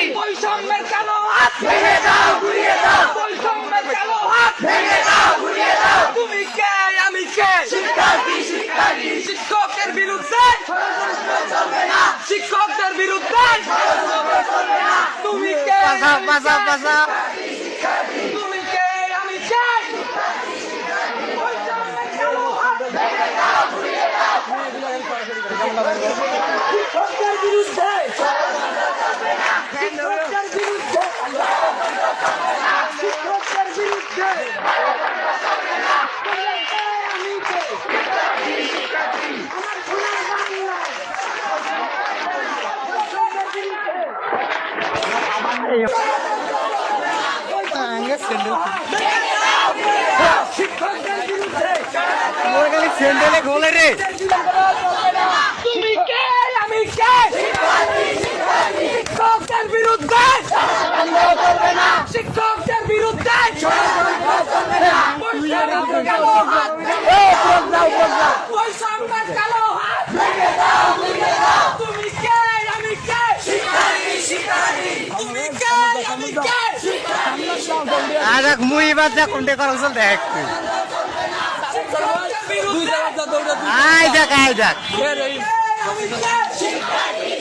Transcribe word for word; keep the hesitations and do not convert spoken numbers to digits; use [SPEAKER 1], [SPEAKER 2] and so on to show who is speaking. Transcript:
[SPEAKER 1] বৈষম্যের কালো হাত ভেঙে দাও, ঘুরিয়ে দাও। বৈষম্যের কালো হাত ভেঙে দাও, ঘুরিয়ে দাও। তুমি কে, আমি কে? শিক্ষার্থী, শিক্ষার্থী। শিক্ষকের বিরুদ্ধে ষড়যন্ত্র চলবে না। শিক্ষকদের বিরুদ্ধে ষড়যন্ত্র চলবে না। তুমি কে,
[SPEAKER 2] বাঁচাও, বাঁচাও, বাঁচাও।
[SPEAKER 1] তুমি কে, আমি কে? বৈষম্যের কালো হাত ভেঙে দাও, ঘুরিয়ে দাও। শিক্ষকদের বিরুদ্ধে শিক্ষকদের বিরুদ্ধে শিক্ষকদের বিরুদ্ধে আমি কে? আমার সোনার বাংলা শিক্ষকদের বিরুদ্ধে শিক্ষকদের বিরুদ্ধে
[SPEAKER 2] স্যান্ডেলে খোলে রে।
[SPEAKER 1] তুমি কে, আমি কে? শিক্ষকদের বিরুদ্ধে শিক্ষকদের বিরুদ্ধে বৈষম্যের কালো হাত বৈষম্যের কালো হাত তুমি কে, আমি কে? তুমি কে, আমি কে?
[SPEAKER 2] আজ এক মুই বাচ্চা কোনটা করা চল দেখ তুই।
[SPEAKER 1] শিক্ষকদের বিরুদ্ধে
[SPEAKER 2] আয় দেখ, আয় দেখ।
[SPEAKER 1] আমি কে?